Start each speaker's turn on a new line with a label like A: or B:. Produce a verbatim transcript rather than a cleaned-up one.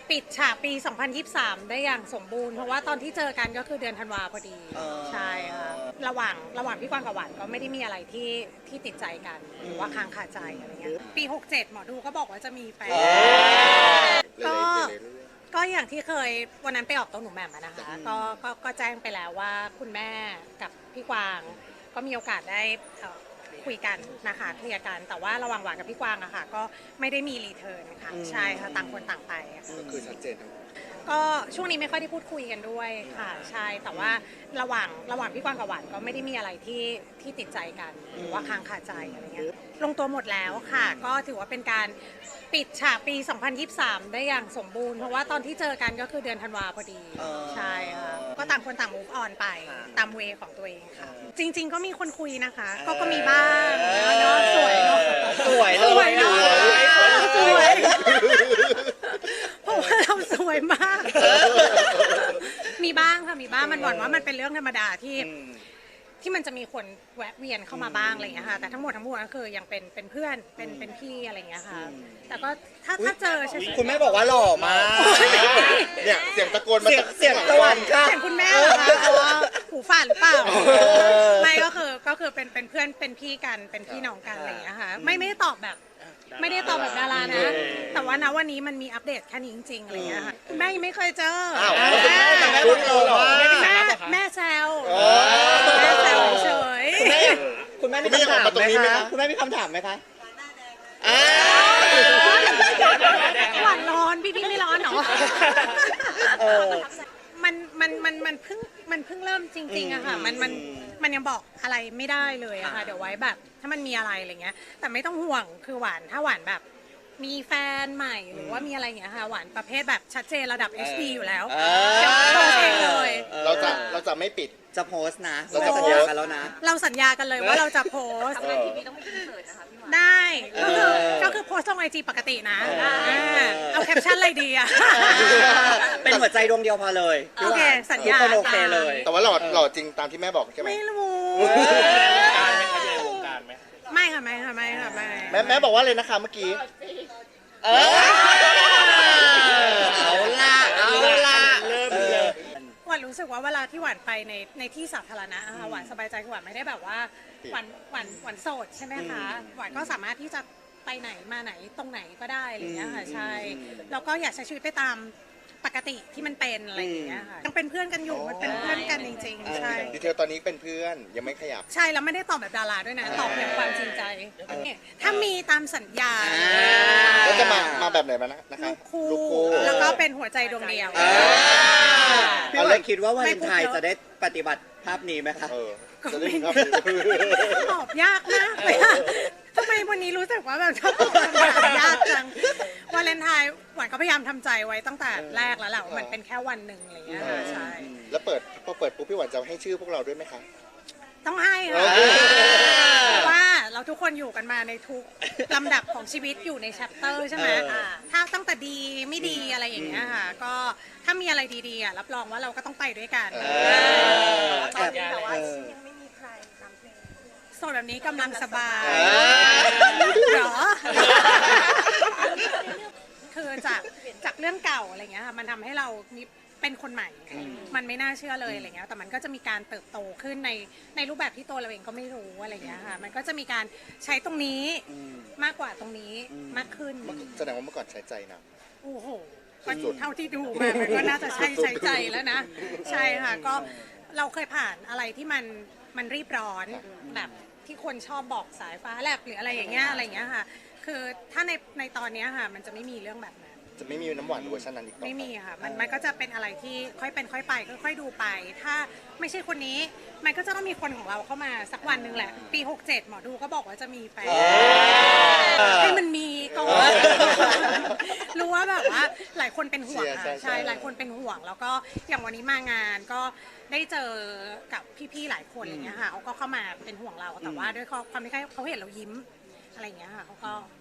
A: ปิดฉากปี สองพันยี่สิบสาม ได้อย่างสมบูรณ์เพราะว่าตอนที่เจอกันก็คือเดือนธันวาพอดีใช่ค่ะระหว่างระหว่างพี่กวางกับหวานก็ไม่ได้มีอะไรที่ที่ติดใจกันหรือว่าค้างคาใจอะไรเงี้ยปีหกเจ็ดหมอดูก็บอกว่าจะมีแฟนก็ก็อย่างที่เคยวันนั้นไปออกตัวหนูแหม่มนะคะก็ก็ก็แจ้งไปแล้วว่าคุณแม่กับพี่กวางก็มีโอกาสได้คุยกันนะคะเคลียร์กันแต่ว่าระหว่างหวานกับพี่กวางอะค่ะก็ไม่ได้มีรีเทิร์นค่ะใช่ค่ะต่างคนต่างไป
B: ก็คือชัดเจนทั้ง
A: ก็ช่วงนี้ไม่ค่อยได้พูดคุยกันด้วยค่ะใช่แต่ว่าระหว่างระหว่างพี่กวางกับหวานก็ไม่ได้มีอะไรที่ที่ติดใจกันหรือว่าค้างคาใจอะไรเงี้ยลงตัวหมดแล้วค่ะก็ถือว่าเป็นการปิดฉากปี สองพันยี่สิบสาม ได้อย่างสมบูรณ์เพราะว่าตอนที่เจอกันก็คือเดือนธันวาพอดีใช่ค่ะก็ต่างคนต่าง move on ไปตามเวของตัวเองค่ะจริงๆก็มีคนคุยนะคะก็ก็มีบ้างเนาะสวยเนาะ
C: สวยเลย
A: สวยเนาะสวยเพราะว่าเราสวยมากมีบ้างค่ะมีบ้างมันหวั่นว่ามันเป็นเรื่องธรรมดาที่ที่มันจะมีคนแวะเวียนเข้ามาบ้างอะไรอย่างเงี้ยค่ะแต่ทั้งหมดทั้งมวลก็คือยังเป็นเป็นเพื่อนเป็นเป็นพี่อะไรอย่างเงี้ยค่ะแต่ก็ถ้าถ้าเจอใช่ไหม
C: คุณแม่บอกว่าหล่อมาก
B: เนี่ยเสียงตะโกนมา
C: เสียงตะวันค่ะ
A: เสียงคุณแม่เหรอคะหูฝาดหรือเปล่าไม่ก็คือก็คือเป็นเป็นเพื่อนเป็นพี่กันเป็นพี่น้องกันอะไรอย่างเงี้ยค่ะไม่ไม่ได้ตอบแบบไม่ได้ตอบแบบดารานะแต่ว่านะวันนี้มันมีอัปเดตแค่นี้จริงๆอะไรอย่างเงี้ยค่ะแม่ยังไม่เคยเจอ
C: แม่พูดหล่อ
A: แม่แม่แซวแม่แซวเฉย
C: คุณแม่มีคำถามไหมคะคุณแม่มีคำถามไหมคะ
A: หวานร้อนพี่พี่ไม่ร้อนหรอมันมันมันมันเพิ่งมันเพิ่งเริ่มจริงๆอะค่ะมันมันมันยังบอกอะไรไม่ได้เลยอะค่ะเดี๋ยวไว้แบบถ้ามันมีอะไรอะไรเงี้ยแต่ไม่ต้องห่วงคือหวานถ้าหวานแบบมีแฟนใหม่หรือว่ามีอะไรอย่างเงี้ยค่ะหวานประเภทแบบชัดเจนระดับ เอช ดี อยู่แล้วจะโพสเองเลย
B: เราจะเราจะไม่ปิด
C: จะโพสนะเราจะสัญญากันแล้วนะ
A: เราสัญญากันเลยว่าเราจะโพสได้ก็คือก็คือโพสลงไอจีปกตินะเอาแคปชั่นอะไรดีอะ
C: เป็นหัวใจดวงเดียวพอเลย
A: โอเคสัญญา
C: โอเคเลย
B: แต่ว่าหล่อหล่อจริงตามที่แม่บอกใช่ไหม
A: ไม่รู้ไม่ค่ะไม่ค่ะไม่ค่ะไม่
B: แม่แม่บอกว่าเลยนะคะเมื่อกี้
C: เอาละเอาละ
B: เริ่มเลย
A: หวานรู้สึกว่าเวลาที่หวานไปในในที่สาธารณะค่ะหวานสบายใจคือหวานไม่ได้แบบว่าหวานหวานหวานโสดใช่ไหมคะหวานก็สามารถที่จะไปไหนมาไหนตรงไหนก็ได้อะไรอย่างเงี้ยค่ะใช่แล้วก็อยากใช้ชีวิตไปตามปกติที่มันเป็นอะไรอย่างเงี้ยค่ะยังเป็นเพื่อนกันอยู่มันเป็นเพื่อนกันจริงๆใช่
B: ดีเทลตอนนี้เป็นเพื่อนยังไม่ขยับ
A: ใช่แล้วไม่ได้ตอบแบบดาราด้วยนะตอบอย่างความจริงใจถ้ามีตามสัญญา
B: แล้วจะมามาแบบไหนมานะนะคะ
A: ลูกคู่แล้วก็เป็นหัวใจดวงเดียว
C: พี่เลยคิดว่าวันเลนไทน์จะได้ปฏิบัติภาพนี้ไหมคะ
A: ก็ไม่ตอบยากมากเลยทำไมวันนี้รู้สึกว่าแบบชอบตอบยากจังวาเลนไทน์หวานก็พยายามทำใจไว้ตั้งแต่แรกแล้วแหละว่ามันเป็นแค่วันหนึ่งอะไรเงี้ยใช่
B: แล้วเปิดพอเปิดปุ๊บพี่หวานจะให้ชื่อพวกเราด้วยไหมคะ
A: ต้องให้ค่ะเพราะว่าเราทุกคนอยู่กันมาในทุกลำดับของชีวิตอยู่ในแชปเตอร์ใช่ไหมถ้าตั้งแต่ดีไม่ดีอะไรอย่างเงี้ยค่ะก็ถ้ามีอะไรดีๆอ่ะรับรองว่าเราก็ต้องไปด้วยกันแต่ว่ายังไม่มีใครนำเพลงโสดแบบนี้กำลังสบายเหรอคือจากจากเรื่องเก่าอะไรเงี้ยค่ะมันทำให้เรามีเป็นคนใหม่มันไม่น่าเชื่อเลยอะไรเงี้ยแต่มันก็จะมีการเติบโตขึ้นในในรูปแบบที่ตัวเราเองก็ไม่รู้อะไรเงี้ยค่ะมันก็จะมีการใช้ตรงนี้มากกว่าตรงนี้มากขึ้น
B: แสดงว่าเมื่อก่อนใช้ใจนะ
A: โอ้โหก็เท่าที่ดูมามันก็น่าจะใช้ใช้ใจแล้วนะใช่ค่ะก็เราเคยผ่านอะไรที่มันมันรีบร้อนแบบที่คนชอบบอกสายฟ้าแลบหรืออะไรอย่างเงี้ยอะไรอย่างเงี้ยค่ะคือถ้าในในตอนนี้ค่ะมันจะไม่มีเรื่องแบบนั้น
B: จะไม่มีน้ำหวานเวอร์ชันนั้นอีกต่อ
A: ไม่มีค่ะมันมันก็จะเป็นอะไรที่ค่อยเป็นค่อยไปค่อยๆดูไปถ้าไม่ใช่คนนี้มันก็จะต้องมีคนของเราเข้ามาสักวันหนึ่งแหละปีหกเจ็ดหมอดูก็บอกว่าจะมีแฟนให้มันมีก่อนรู้ว่าแบบว่าหลายคนเป็นห่วงค่ะใช่หลายคนเป็นห่วงแล้วก็อย่างวันนี้มางานก็ได้เจอกับพี่ๆหลายคนอะไรเงี้ยค่ะเขาก็เข้ามาเป็นห่วงเราแต่ว่าด้วยความที่เขาเห็นเรายิ้มอะไรเงี้ยค่ะเขาก็